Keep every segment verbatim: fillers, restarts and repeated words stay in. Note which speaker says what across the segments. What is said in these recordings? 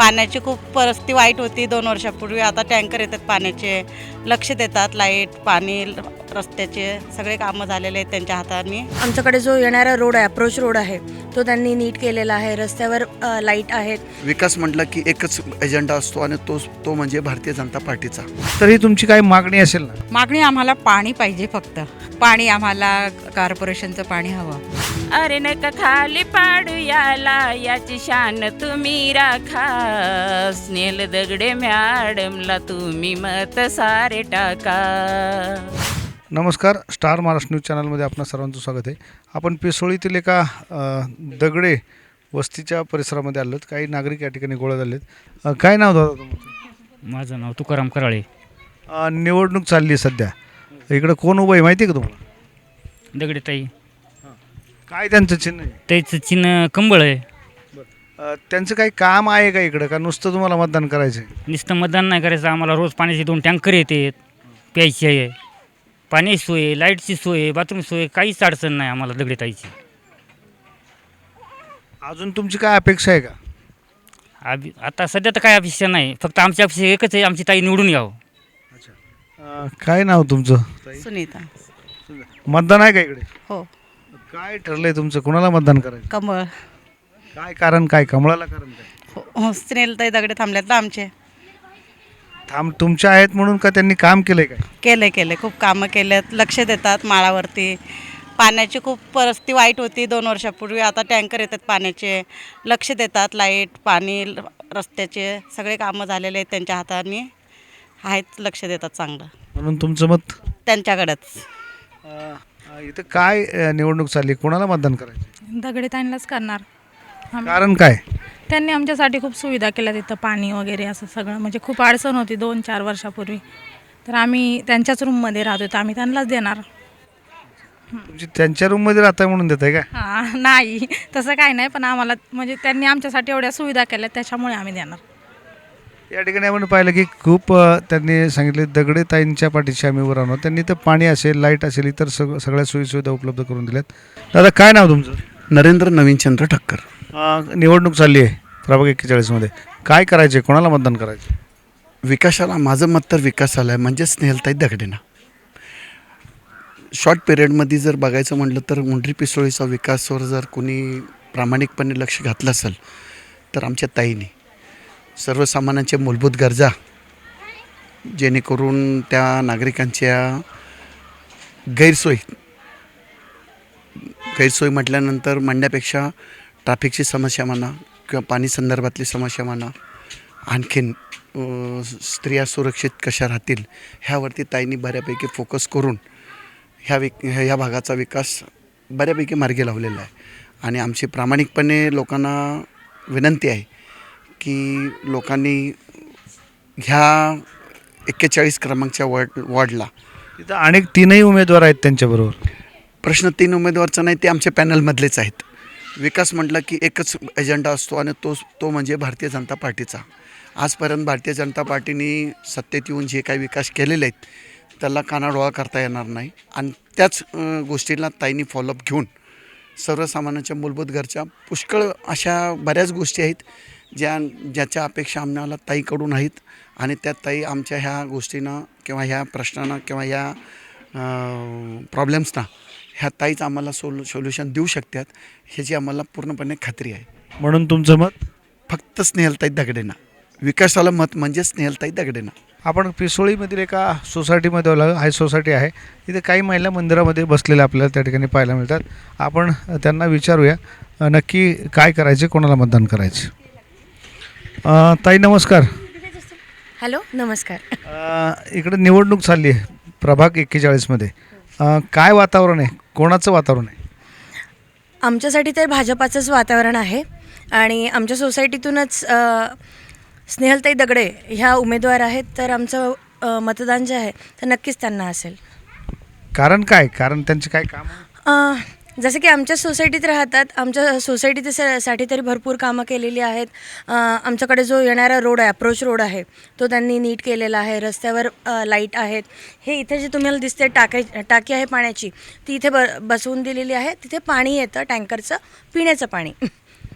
Speaker 1: पाण्याची खूप परिस्थिती वाईट होती दोन वर्षापूर्वी. आता टँकर येतात पाण्याचे, लक्ष देतात. लाईट, पाणी, रस्त्याचे सगळे कामं झालेले आहेत त्यांच्या हाताने.
Speaker 2: आमच्याकडे जो येणारा रोड आहे, अप्रोच रोड आहे, तो त्यांनी नीट केलेला आहे. रस्त्यावर अ, लाईट आहेत.
Speaker 3: विकास म्हटलं की एकच एजेंडा असतो आणि तो तो म्हणजे भारतीय जनता पार्टीचा.
Speaker 4: तरी तुमची काही मागणी असेल ना?
Speaker 5: मागणी आम्हाला पाणी पाहिजे, फक्त पाणी आम्हाला कॉर्पोरेशनचं पाणी हवं.
Speaker 6: अरे नका खाली पाडू याला, याची शान तुम्ही राखा. स्नेल दगडे मॅडमला तुम्ही मत सारे टाका.
Speaker 4: नमस्कार, स्टार महाराष्ट्र न्यूज चॅनलमध्ये आपणा सर्वांचं स्वागत आहे. आपण पिसोळीतील एका अ, दगडे वस्तीच्या परिसरामध्ये आलो. काही नागरिक या ठिकाणी गोळा झालेत. अ, काय नाव दादा तुमचं?
Speaker 7: माझं नाव तुकाराम कराळे.
Speaker 4: अ, निवडणूक चालली आहे सध्या. इकडं कोण उभं आहे माहिती आहे का तुम्हाला?
Speaker 7: दगडेताई.
Speaker 4: काय त्यांचं चिन्ह आहे?
Speaker 7: त्याचं चिन्ह कंबळ आहे.
Speaker 4: अ, त्यांचं काही काम आहे का इकडं, का नुसतं तुम्हाला मतदान करायचं आहे?
Speaker 7: नुसतं मतदान नाही करायचं, आम्हाला रोज पाण्याचे दोन टँकर येतात, प्यायची आहे, पाण्याची सोय आहे, लाईटची सोय आहे, बाथरूम सोय आहे, काहीच अडचण नाही आम्हाला दगडेताईची.
Speaker 4: अजून तुमची काय अपेक्षा आहे का?
Speaker 7: अभि आता सध्या तर काय अपेक्षा नाही, फक्त आमची अपेक्षा एकच आहे, आमची ताई निवडून यावं.
Speaker 4: अ, काय नाव तुमचं?
Speaker 1: सुनीता.
Speaker 4: मतदान आहे का इकडे?
Speaker 1: हो.
Speaker 4: काय ठरलंय तुमचं, कुणाला मतदान करायचं?
Speaker 1: कमळ.
Speaker 4: काय कारण, काय कमळाला कारण काय?
Speaker 1: हो, हो. स्नेलताई दगडे थांबल्यात ना आमचे.
Speaker 4: थांब तुमच्या आहेत म्हणून का त्यांनी काम केलंय काय?
Speaker 1: केले केले खूप कामं केलेत. लक्ष देतात माळावरती. पाण्याची खूप परिस्थिती वाईट होती दोन वर्षापूर्वी. आता टँकर येतात पाण्याचे, लक्ष देतात. लाईट, पाणी, रस्त्याचे सगळे कामं झालेले आहेत त्यांच्या हाताने. आहेत, लक्ष देतात चांगलं.
Speaker 4: म्हणून तुमचं मत
Speaker 1: त्यांच्याकडेच.
Speaker 4: अ, इथं काय अ, निवडणूक चालली, कोणाला मतदान करायचं?
Speaker 8: दगडेताईंनाच करणार. आम-
Speaker 4: कारण काय?
Speaker 8: त्यांनी आमच्यासाठी खूप सुविधा केल्या तिथं, पाणी वगैरे असं सगळं. म्हणजे खूप अडचण होती दोन चार वर्षापूर्वी. तर आम्ही त्यांच्याच रूममध्ये राहतो, तर आम्ही त्यांनाच देणार.
Speaker 4: तुमची त्यांच्या रूममध्ये राहताय म्हणून देत आहे का?
Speaker 8: हां, नाही तसं काही नाही, पण आम्हाला म्हणजे त्यांनी आमच्यासाठी एवढ्या सुविधा केल्या, त्याच्यामुळे आम्ही देणार.
Speaker 4: या ठिकाणी आपण पाहिलं की खूप अ, त्यांनी सांगितले दगडे ताईंच्या पाठीशी आम्ही उभं राहणार. त्यांनी तर पाणी असेल, लाईट असेल, इतर सग सगळ्या सोयीसुविधा उपलब्ध करून दिल्यात. दादा काय नाव तुमचं?
Speaker 3: नरेंद्र नवीनचंद्र ठक्कर.
Speaker 4: अ, निवडणूक चालली आहे प्रभाग एक्केचाळीसमध्ये. काय करायचे, कोणाला मतदान करायचं?
Speaker 3: विकासाला माझं मत तर विकासाला आहे, म्हणजे स्नेहलताई दगडेंना. शॉर्ट पिरियडमध्ये जर बघायचं म्हटलं तर मुंडरी पिसोळीचा विकासावर जर कोणी प्रामाणिकपणे लक्ष घातलं असेल तर आमच्या ताईने सर्वसामान्यांच्या मूलभूत गरजा, जेणेकरून त्या नागरिकांच्या गैरसोय गैरसोय म्हटल्यानंतर म्हणण्यापेक्षा ट्रॅफिकची समस्या म्हणा किंवा पाणी संदर्भातली समस्या म्हणा, आणखीन अ, स्त्रिया सुरक्षित कशा राहतील ह्यावरती ताईंनी बऱ्यापैकी फोकस करून ह्या विक ह्या भागाचा विकास बऱ्यापैकी मार्गी लावलेला आहे. आणि आमची प्रामाणिकपणे लोकांना विनंती आहे की लोकांनी ह्या एक्केचाळीस क्रमांकच्या वॉर्ड वॉर्डला
Speaker 4: तिथं अनेक तीनही उमेदवार आहेत त्यांच्याबरोबर.
Speaker 3: प्रश्न तीन उमेदवारचा नाही, ते आमच्या पॅनलमधलेच आहेत. विकास म्हटलं की एकच एजेंडा असतो आणि तो तो म्हणजे भारतीय जनता पार्टीचा. आजपर्यंत भारतीय जनता पार्टीने सत्तेत येऊन जे काही विकास केलेले आहेत त्याला कानाडोळा करता येणार नाही. आणि त्याच अ, गोष्टीला ताईंनी फॉलोअप घेऊन सर्वसामान्यांच्या मूलभूत गरजा पुष्कळ अशा बऱ्याच गोष्टी आहेत ज्या ज्याच्या अपेक्षा आम्हाला ताईकडून आहेत. आणि त्या ताई आमच्या ह्या गोष्टींना किंवा ह्या प्रश्नांना किंवा ह्या प्रॉब्लेम्सना ह्या ताईच आम्हाला सोल्यू सोल्युशन देऊ शकतात ह्याची आम्हाला पूर्णपणे खात्री आहे.
Speaker 4: म्हणून तुमचं मत?
Speaker 3: फक्त स्नेहलताई दगडेंना. विकासाला मत म्हणजे स्नेहलताई दगडेंना.
Speaker 4: आपण पिसोळीमधील एका सोसायटीमध्ये आलो. हाय सोसायटी आहे. इथे काही महिला मंदिरामध्ये बसलेल्या आपल्याला त्या ठिकाणी पाहायला मिळतात. आपण त्यांना विचारूया अ, नक्की काय करायचे, कोणाला मतदान करायचे. अ, ताई नमस्कार.
Speaker 2: हॅलो, नमस्कार.
Speaker 4: अ, इकडे निवडणूक चालली आहे प्रभाग एक्केचाळीसमध्ये. अ, काय वातावरण आहे, कोणाचं वातावरण आहे?
Speaker 2: आमच्यासाठी तर भाजपाचंच वातावरण आहे. आणि आमच्या सोसायटीतूनच अ, स्नेहलताई दगडे ह्या उमेदवार आहेत. तर आमचं अ, मतदान जे आहे तर नक्कीच त्यांना असेल.
Speaker 4: कारण काय, कारण त्यांचे काय काम?
Speaker 2: अ, जसं की आमच्या सोसायटीत राहतात, आमच्या सोसायटीत साठी तरी भरपूर कामं केलेली आहेत. अ, आमच्याकडे जो येणारा रोड आहे, अप्रोच रोड आहे, तो त्यांनी नीट केलेला आहे. रस्त्यावर अ, लाईट आहेत. हे इथे जे तुम्हाला दिसते टाकी टाकी आहे पाण्याची, ती इथे ब बसवून दिलेली आहे. तिथे पाणी येतं टँकरचं, पिण्याचं पाणी.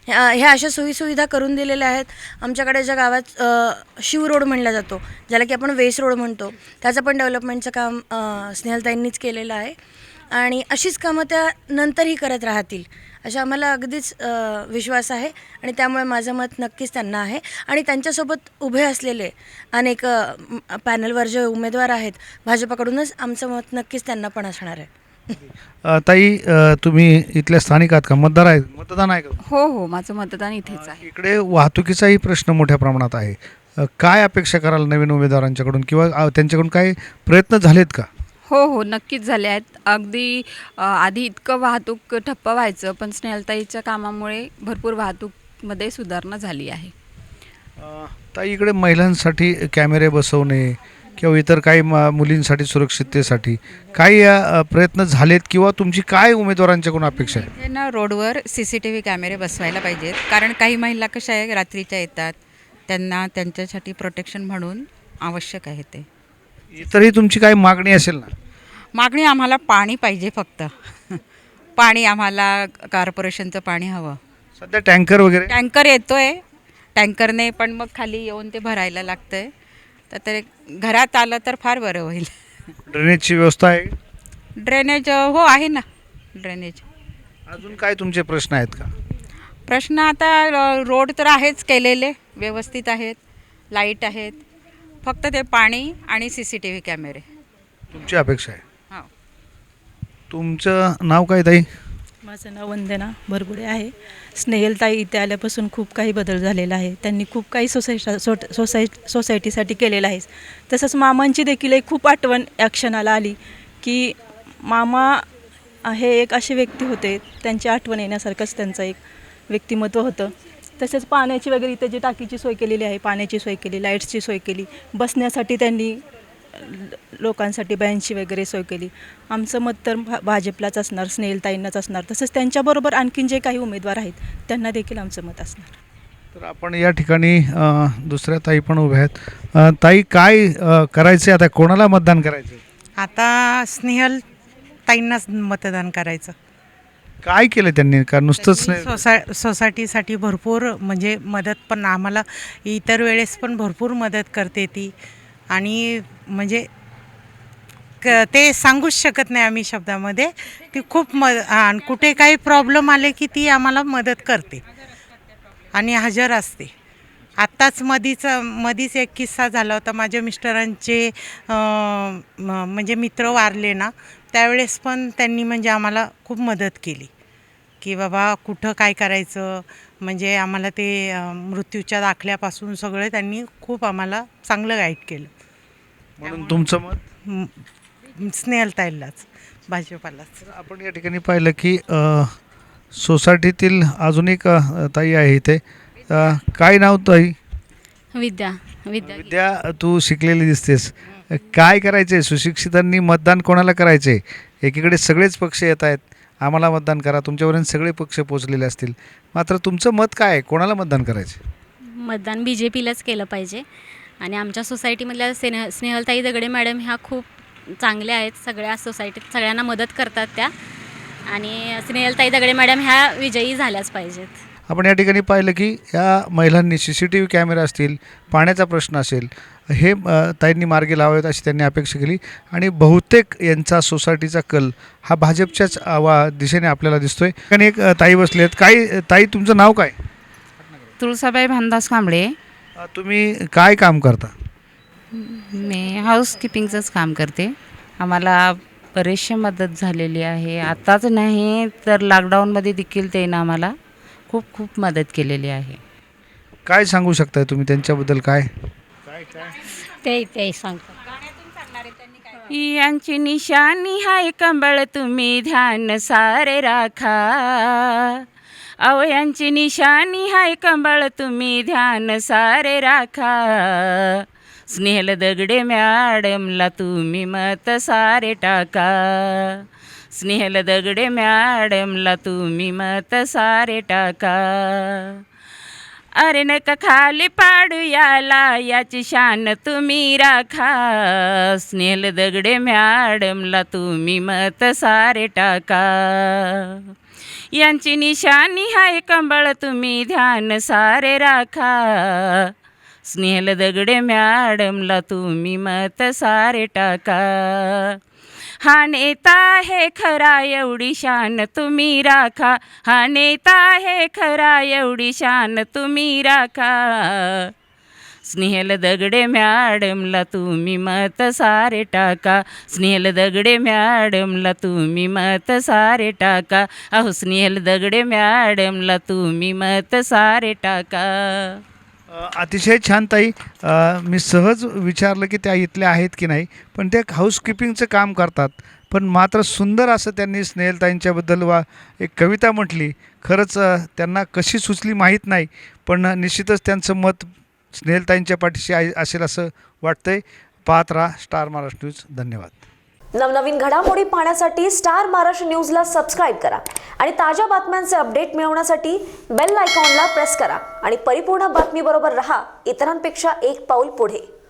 Speaker 2: ह्या ह्या अशा सोयीसुविधा करून दिलेल्या आहेत. आमच्याकडे ज्या गावात अ, शिव रोड म्हणला जातो, ज्याला की आपण वेस रोड म्हणतो, त्याचं पण डेव्हलपमेंटचं काम अ, स्नेहलताईंनीच केलेलं आहे आणि अशीच कामं त्या नंतरही करत राहतील अशा आम्हाला अगदीच अ, विश्वास आहे आणि त्यामुळे माझं मत नक्कीच त्यांना आहे. आणि त्यांच्यासोबत उभे असलेले अनेक अ, म- पॅनलवर जे उमेदवार आहेत भाजपाकडूनच आमचं मत नक्कीच त्यांना पण असणार आहे.
Speaker 4: अ, ताई अ, तुम्ही इथल्या स्थानिक आहात का? मतदार आहे, मतदान आहे का?
Speaker 5: हो हो माझं मतदान इथेच आहे.
Speaker 4: इकडे वाहतुकीचाही प्रश्न मोठ्या प्रमाणात आहे. अ, काय अपेक्षा कराल नवीन उमेदवारांच्याकडून किंवा अ, त्यांच्याकडून काही प्रयत्न झालेत का?
Speaker 5: हो हो नक्कीच झाले आहेत. अगदी अ, आधी इतकं वाहतूक ठप्प व्हायचं, पण स्नेहलताईच्या कामामुळे भरपूर वाहतूकमध्ये सुधारणा झाली आहे.
Speaker 4: अ, ताई इकडे महिलांसाठी कॅमेरे बसवणे किंवा इतर काही म- मुलींसाठी सुरक्षिततेसाठी काही अ, प्रयत्न झालेत किंवा तुमची काय उमेदवारांच्याकडून अपेक्षा आहे?
Speaker 5: इथे ना रोडवर सी सी टी व्ही कॅमेरे बसवायला पाहिजेत, कारण काही महिला कशा आहे रात्रीच्या येतात, त्यांना त्यांच्यासाठी प्रोटेक्शन म्हणून आवश्यक आहे ते.
Speaker 4: इतरही तुमची काही मागणी असेल ना?
Speaker 5: मागणी आम्हाला पाणी पाहिजे फक्त. पाणी आम्हाला कॉर्पोरेशनचं पाणी हवं.
Speaker 4: सध्या टँकर वगैरे
Speaker 5: टँकर येतोय, टँकरने पण मग खाली येऊन ते भरायला लागतंय, तर ते घरात आलं तर फार बरं होईल.
Speaker 4: ड्रेनेजची व्यवस्था आहे?
Speaker 5: ड्रेनेज हो आहे ना ड्रेनेज.
Speaker 4: अजून काय तुमचे प्रश्न आहेत का?
Speaker 5: प्रश्न आता अ, रोड तर आहेच केलेले व्यवस्थित आहेत, लाईट आहेत, फक्त ते पाणी आणि सी सी टी व्ही कॅमेरे.
Speaker 4: तुमची अपेक्षा आहे?
Speaker 5: हो.
Speaker 4: तुमचं नाव काय ताई?
Speaker 9: माझं नाव वंदना भरगुडे आहे. स्नेहलताई इथे आल्यापासून खूप काही बदल झालेला आहे. त्यांनी खूप काही सोसायटी सोट सोसाय सोसायटीसाठी केलेलं आहे. तसंच मामांची देखील एक खूप आठवण या क्षणाला आली की मामा हे एक असे व्यक्ती होते, त्यांची आठवण येण्यासारखंच त्यांचं एक व्यक्तिमत्व होतं. तसेच पाण्याची वगैरे इथे जी टाकीची सोय केलेली आहे, पाण्याची सोय केली, लाईट्सची सोय केली, बसण्यासाठी त्यांनी लोकांसाठी बेंचची वगैरे सोय केली. आमचं मत तर भा भाजपलाच असणार, स्नेहलताईंनाच असणार. तसंच त्यांच्याबरोबर आणखीन जे काही उमेदवार आहेत त्यांना देखील आमचं मत असणार.
Speaker 4: तर आपण या ठिकाणी अ, दुसऱ्या ताई पण उभ्या आहेत. अ, ताई काय अ, करायचे आता, कोणाला मतदान करायचं?
Speaker 1: आता स्नेहल ताईंनाच मतदान करायचं.
Speaker 4: काय केलं त्यांनी का नुसतंच
Speaker 1: त्यांनी
Speaker 4: नाही?
Speaker 1: सोसाय सोसायटीसाठी भरपूर म्हणजे मदत पण आम्हाला इतर वेळेस पण भरपूर मदत करते ती आणि म्हणजे क ते सांगूच शकत नाही आम्ही शब्दामध्ये. ती खूप म आणि कुठे काही प्रॉब्लेम आले की ती आम्हाला मदत करते आणि हजर असते. आत्ताच मधीच मधीच एक किस्सा झाला होता. माझ्या मिस्टरांचे अं, म- म्हणजे मित्र वारले ना, त्यावेळेस पण त्यांनी म्हणजे आम्हाला खूप मदत केली की बाबा कुठं काय करायचं, म्हणजे आम्हाला ते अं, मृत्यूच्या दाखल्यापासून सगळं त्यांनी खूप आम्हाला चांगलं गाईड केलं.
Speaker 4: म्हणून तुमचं मत?
Speaker 1: म- स्नेहलताईलाच, भाजपालाच.
Speaker 4: तर आपण या ठिकाणी पाहिलं की अ, सोसायटीतील अजून एक अ, ताई आहे इथे. अ, काय नाव ताई?
Speaker 10: विद्या विद्या
Speaker 4: विद्या, तू शिकलेली दिसतेस. काय करायचे? सुशिक्षितांनी मतदान कोणाला करायचे? एकीकडे सगळेच पक्ष येत आहेत, आम्हाला मतदान करा, तुमच्यापर्यंत सगळे पक्ष पोचलेले असतील, मात्र तुमचं मत काय आहे? कोणाला मतदान करायचे?
Speaker 10: मतदान बी जे पीलाच केलं पाहिजे. आणि आमच्या सोसायटीमधल्या स्नेह स्नेहलताई दगडे मॅडम ह्या खूप चांगल्या आहेत. सगळ्या सोसायटीत सगळ्यांना मदत करतात त्या, आणि स्नेहलताई दगडे मॅडम ह्या विजयी झाल्याच पाहिजेत.
Speaker 4: आपण या ठिकाणी पाहिलं की या महिलांनी C C T V camera असतील, पाण्याचा प्रश्न असेल, हे अ, ताईंनी मार्गी लावावेत अशी त्यांनी अपेक्षा केली. आणि बहुतेक यांचा सोसायटीचा कल हा भाजपच्याच आवा दिशेने आपल्याला दिसतोय. आणि एक अ, ताई बसले आहेत. काय ताई, तुमचं नाव काय?
Speaker 6: तुळसाबाई भानदास कांबळे.
Speaker 4: अ, तुम्ही काय काम करता?
Speaker 6: मी हाऊसकीपिंगचंच काम करते. आम्हाला बरेचशी मदत झालेली आहे. आत्ताच नाही तर लॉकडाऊनमध्ये देखील त्यानं आम्हाला खूप खूप मदत केलेली आहे.
Speaker 4: काय सांगू शकताय तुम्ही त्यांच्याबद्दल? काय
Speaker 10: ते ते सांगतात.
Speaker 6: यांची निशाणी हाय कंबळ तुम्ही ध्यान सारे राखा. अहो यांची निशाणी हाय कंबळ तुम्ही ध्यान सारे राखा. स्नेहल दगडे मॅडमला तुम्ही मत सारे टाका. स्नेहल दगडे मॅडमला तुम्ही मत सारे टाका. अरे नका खाली पाडू याला याची शान तुम्ही राखा. स्नेहल दगडे मॅडमला तुम्ही मत सारे टाका. यांची निशाणी हाय कंबळ तुम्ही ध्यान सारे राखा स्नेहल दगडे मॅडमला तुम्ही मत सारे टाका हा नेता आहे खरा एवढी शान तुम्ही राखा हा नेता आहे खरा एवढी शान तुम्ही राखा स्नेहल दगडे मॅडमला तुम्ही मत सारे टाका स्नेहल दगडे मॅडमला तुम्ही मत सारे टाका अहो स्नेहल दगडे मॅडमला तुम्ही मत सारे टाका.
Speaker 4: अ, अतिशय छान ताई. अ, मी सहज विचारलं की त्या इथल्या आहेत की नाही, पण ते हाऊसकीपिंगचं काम करतात. पण मात्र सुंदर असं त्यांनी स्नेहलताईंच्याबद्दल वा एक कविता म्हटली. खरंच अ, त्यांना कशी सुचली माहीत नाही, पण निश्चितच त्यांचं मत स्नेहलताईंच्या पाठीशी आहे असेल असं वाटतंय. पाहत राहा स्टार महाराष्ट्र न्यूज. धन्यवाद.
Speaker 11: नवनवीन घडामोडी पाहण्यासाठी स्टार महाराष्ट्र न्यूजला सबस्क्राईब करा आणि ताज्या बातम्यांचे अपडेट मिळवण्यासाठी बेल आयकॉनला प्रेस करा आणि परिपूर्ण बातमीबरोबर रहा इतरांपेक्षा एक पाऊल पुढे.